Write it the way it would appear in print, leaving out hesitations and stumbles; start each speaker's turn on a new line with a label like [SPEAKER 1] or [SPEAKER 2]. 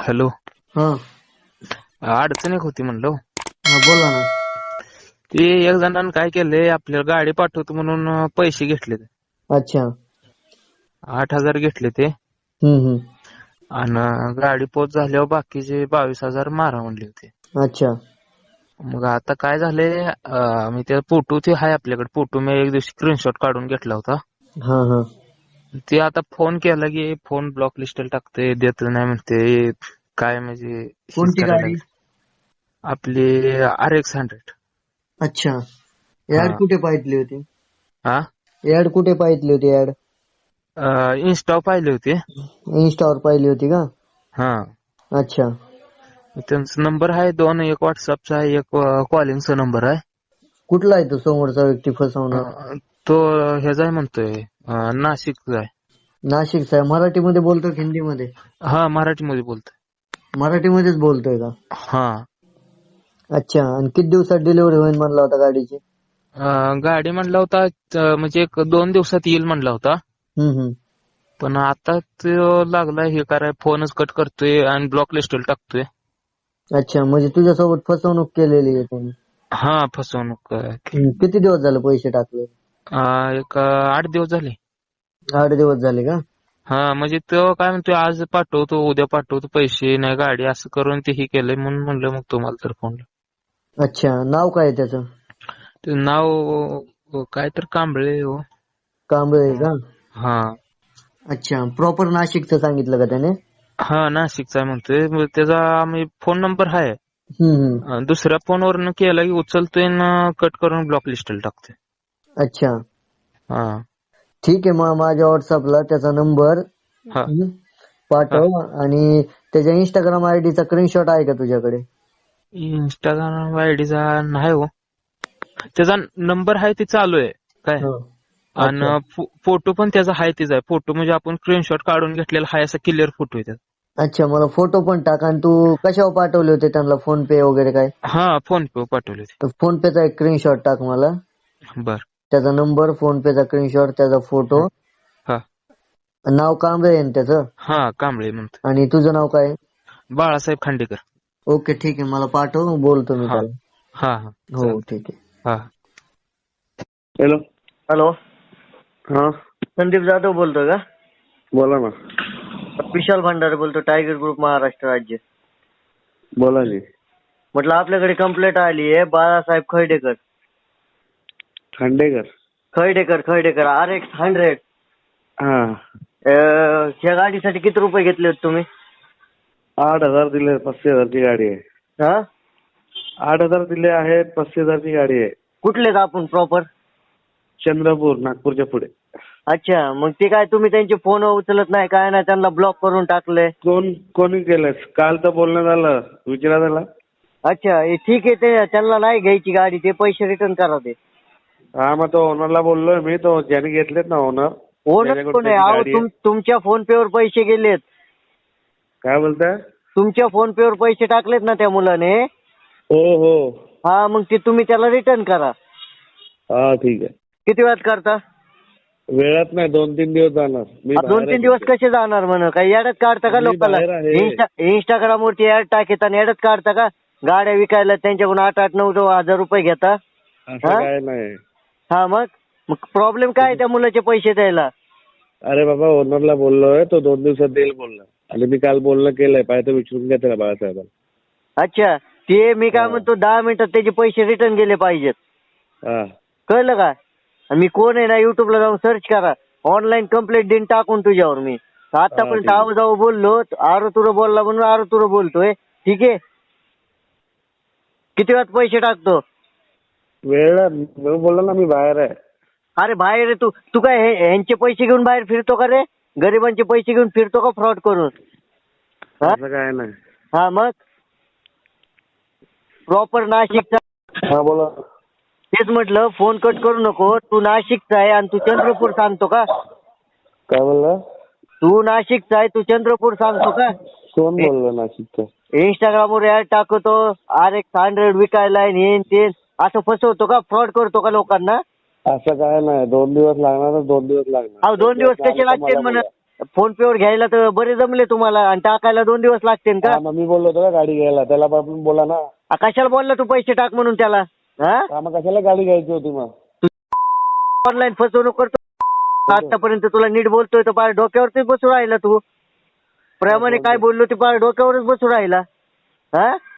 [SPEAKER 1] Hello.
[SPEAKER 2] हा
[SPEAKER 1] अडचण एक होती म्हणलं.
[SPEAKER 2] हा बोला ना.
[SPEAKER 1] ते एक जणांनी काय केलंय, आपल्याला गाडी पाठवतो म्हणून पैसे घेतले.
[SPEAKER 2] अच्छा.
[SPEAKER 1] 8,000 घेतले ते.
[SPEAKER 2] हम्म.
[SPEAKER 1] आणि गाडी पोच झाल्यावर बाकीचे 22,000 मारा म्हणले होते.
[SPEAKER 2] अच्छा.
[SPEAKER 1] मग आता काय झालंय, मी त्या फोटो ते आहे आपल्याकडे. फोटो मी एक दिवशी स्क्रीनशॉट काढून घेतला होता.
[SPEAKER 2] हा.
[SPEAKER 1] ते आता फोन केला की फोन ब्लॉक लिस्टला टाकते, देत नाही म्हणते. काय म्हणजे हीच
[SPEAKER 2] कोणती
[SPEAKER 1] करायला
[SPEAKER 2] गाडी?
[SPEAKER 1] लागली. आपली RX 100.
[SPEAKER 2] अच्छा.
[SPEAKER 1] हा.
[SPEAKER 2] ऍड कुठे पाहिली होती?
[SPEAKER 1] हा.
[SPEAKER 2] ऍड कुठे पाहिली होती? ऍड
[SPEAKER 1] इन्स्टा पाहिले होते.
[SPEAKER 2] इन्स्टावर पाहिली होती का?
[SPEAKER 1] हा.
[SPEAKER 2] अच्छा.
[SPEAKER 1] त्यांचा नंबर आहे दोन, एक व्हॉट्सअपचा आहे, एक कॉलिंगचा नंबर आहे.
[SPEAKER 2] कुठला आहे तो समोरचा व्यक्ती फसवणार?
[SPEAKER 1] तो ह्याचा आहे म्हणतोय, नाशिकचा आहे.
[SPEAKER 2] नाशिकचा आहे. मराठीमध्ये बोलतो की हिंदीमध्ये?
[SPEAKER 1] हा, मराठीमध्ये बोलतोय.
[SPEAKER 2] मराठीमध्येच बोलतोय का?
[SPEAKER 1] हा.
[SPEAKER 2] अच्छा. आणि किती दिवसात डिलिव्हरी होईल म्हणला होता गाडीची?
[SPEAKER 1] गाडी म्हणला होता म्हणजे 1-2 दिवसात येईल म्हणला होता.
[SPEAKER 2] हम्म.
[SPEAKER 1] पण आता तो लागलाय हे कराय, फोनच कट करतोय आणि ब्लॉक लिस्टला टाकतोय.
[SPEAKER 2] अच्छा, म्हणजे तुझ्यासोबत फसवणूक केलेली आहे त्यांनी?
[SPEAKER 1] हा, फसवणूक केली.
[SPEAKER 2] किती दिवस झाले पैसे टाकले?
[SPEAKER 1] एक 8 दिवस झाले.
[SPEAKER 2] 8 दिवस झाले का?
[SPEAKER 1] हा, म्हणजे तो काय म्हणतोय, आज पाठवतो, उद्या पाठवतो पैसे, नाही गाडी, असं करून ते हे केलंय. म्हणून म्हणलं मग तुम्हाला तर फोन.
[SPEAKER 2] अच्छा. नाव काय आहे त्याचं?
[SPEAKER 1] ते नाव काय तर कांबळे हो.
[SPEAKER 2] कांबळे का?
[SPEAKER 1] हा.
[SPEAKER 2] अच्छा. प्रॉपर नाशिकचं सांगितलं का त्याने?
[SPEAKER 1] हा, नाशिकचा म्हणतोय. मग त्याचा फोन नंबर आहे.
[SPEAKER 2] हम्म.
[SPEAKER 1] दुसऱ्या फोनवरनं केला की उचलतोय ना, कट करून ब्लॉक लिस्टला टाकतोय.
[SPEAKER 2] अच्छा.
[SPEAKER 1] हा.
[SPEAKER 2] ठीक आहे, मग माझ्या व्हॉट्सअपला त्याचा नंबर
[SPEAKER 1] हा. हा.
[SPEAKER 2] पाठव. आणि त्याच्या इंस्टाग्राम आयडीचा स्क्रीनशॉट आहे का तुझ्याकडे?
[SPEAKER 1] इंस्टाग्राम आयडीचा नाही हो. त्याचा नंबर आहे ते चालू आहे काय.
[SPEAKER 2] हो. अच्छा.
[SPEAKER 1] आणि फोटो पण त्याचा आहे तेच आहे. फोटो म्हणजे आपण स्क्रीनशॉट काढून घेतलेला आहे, असा क्लिअर फोटो आहे त्याचा.
[SPEAKER 2] अच्छा, मला फोटो पण टाक. आणि तू कशावर पाठवले होते त्यांना, फोन पे वगैरे काय?
[SPEAKER 1] हा, फोन पे पाठवले होते.
[SPEAKER 2] तर फोन पेचा एक स्क्रीनशॉट टाक मला.
[SPEAKER 1] बर.
[SPEAKER 2] त्याचा नंबर, फोन पेचा स्क्रीनशॉट, त्याचा फोटो.
[SPEAKER 1] हा.
[SPEAKER 2] नाव कांबळे आहे ना त्याचं?
[SPEAKER 1] हा, कांबळे म्हणतो.
[SPEAKER 2] आणि तुझं नाव काय?
[SPEAKER 1] बाळासाहेब खांडेकर.
[SPEAKER 2] ओके, ठीक आहे, मला पाठव, बोलतो मी
[SPEAKER 1] हा.
[SPEAKER 2] त्याला.
[SPEAKER 1] हा.
[SPEAKER 2] हो, ठीक आहे.
[SPEAKER 1] हा.
[SPEAKER 2] हॅलो.
[SPEAKER 3] हा,
[SPEAKER 2] संदीप जाधव बोलतोय का?
[SPEAKER 3] बोला ना.
[SPEAKER 2] विशाल भंडारे बोलतो, टायगर ग्रुप महाराष्ट्र राज्य.
[SPEAKER 3] बोला जी.
[SPEAKER 2] म्हटलं आपल्याकडे कंप्लेंट आली आहे, बाळासाहेब खर्डेकर.
[SPEAKER 3] खांडेकर.
[SPEAKER 2] RX 100.
[SPEAKER 3] हा.
[SPEAKER 2] ह्या गाडीसाठी किती रुपये घेतले होते तुम्ही?
[SPEAKER 3] 8,000 दिले, 35,000ची गाडी आहे.
[SPEAKER 2] हा?
[SPEAKER 3] 8,000 दिले आहेत, 35,000ची गाडी आहे.
[SPEAKER 2] कुठले का आपण प्रॉपर?
[SPEAKER 3] चंद्रपूर, नागपूरच्या पुढे.
[SPEAKER 2] अच्छा, मग ते काय तुम्ही त्यांचे फोन उचलत नाही, काय नाही, त्यांना ब्लॉक करून टाकले?
[SPEAKER 3] कोणी केलंय? काल तर बोलणं झालं, विचारा त्याला.
[SPEAKER 2] अच्छा, हे ठीक आहे, ते त्यांना नाही घ्यायची गाडी, ते पैसे रिटर्न करा ते.
[SPEAKER 3] हा, मग तो ओनरला बोललोय मी, तो ज्याने घेतलेत ना ओनर.
[SPEAKER 2] ओनर कोण आहे? अहो, तुमच्या फोन पे वर पैसे गेलेत.
[SPEAKER 3] काय बोलताय?
[SPEAKER 2] तुमच्या फोन पे वर पैसे टाकलेत ना त्या मुलाने.
[SPEAKER 3] हो.
[SPEAKER 2] हा, मग ते तुम्ही त्याला रिटर्न करा.
[SPEAKER 3] हा, ठीक आहे.
[SPEAKER 2] किती वेळात करता?
[SPEAKER 3] वेळात नाही, 2-3 दिवस जाणार.
[SPEAKER 2] 2-3 दिवस कसे जाणार म्हण? काही ऍडच काढता का लोकांना? इंस्टाग्राम वरती ऍड टाकता आणि ऍडच काढता का? गाड्या विकायला त्यांच्याकडून 8-9 हजार रुपये घेता.
[SPEAKER 3] असं काय नाही.
[SPEAKER 2] हा, मग प्रॉब्लेम काय त्या मुलाचे पैसे द्यायला?
[SPEAKER 3] अरे बाबा, ओनरला बोललोय, तो 2 दिवसात देईल बोलला. आणि मी काल बोलणं केलंय, पाहिजे विचारून घ्या त्याला बाळासाहेबांना.
[SPEAKER 2] अच्छा, ते मी काय म्हणतो, 10 मिनिटात त्याचे पैसे रिटर्न गेले पाहिजेत.
[SPEAKER 3] हा.
[SPEAKER 2] कळलं का? मी कोण आहे ना, युट्यूबला जाऊन सर्च करा, ऑनलाईन कंप्लेंट देऊन टाकून तुझ्यावर मी. आतापर्यंत जाऊ बोललो, आरोतुरं बोलला म्हणून आरोतुरं बोलतोय. ठीक आहे, किती वेळात पैसे टाकतो?
[SPEAKER 3] वेळ बोलला ना, मी बाहेर आहे.
[SPEAKER 2] अरे बाहेर आहे तू काय ह्यांचे पैसे घेऊन बाहेर फिरतो का रे? गरिबांचे पैसे घेऊन फिरतो का फ्रॉड करून?
[SPEAKER 3] असं काय नाही.
[SPEAKER 2] हा, मग प्रॉपर नाशिकचा.
[SPEAKER 3] हा, बोला.
[SPEAKER 2] तेच म्हटलं, फोन कट करू नको. तू नाशिकचा आहे आणि तू चंद्रपूर सांगतो का?
[SPEAKER 3] काय बोलला?
[SPEAKER 2] तू नाशिकचा आहे, तू चंद्रपूर सांगतो का?
[SPEAKER 3] कोण बोललं नाशिकचं?
[SPEAKER 2] इंस्टाग्रामवर ऍड टाकतो, RX 100 विकायला हे ते, असं फसवतो का? फ्रॉड करतो का लोकांना?
[SPEAKER 3] असं काय नाही. 2 दिवस लागणार, 2 दिवस लागणार.
[SPEAKER 2] अहो, 2 दिवस कसे लागतील म्हणत? फोन पे वर घ्यायला तर बरे जमले तुम्हाला आणि टाकायला 2 दिवस लागतील का?
[SPEAKER 3] हा, मग मी बोललो होतो का गाडी घ्यायला, त्याला आपण बोला ना.
[SPEAKER 2] कशाला बोलला तू पैसे टाक म्हणून त्याला? हा,
[SPEAKER 3] हा, मग कशाला गाडी घ्यायची होती मग?
[SPEAKER 2] ऑनलाईन फसवणूक करतो. आतापर्यंत तुला नीट बोलतोय तर पार डोक्यावरती बसू राहिला तू. प्रेमाने काय बोललो ते पार डोक्यावरच बसू राहिला. हा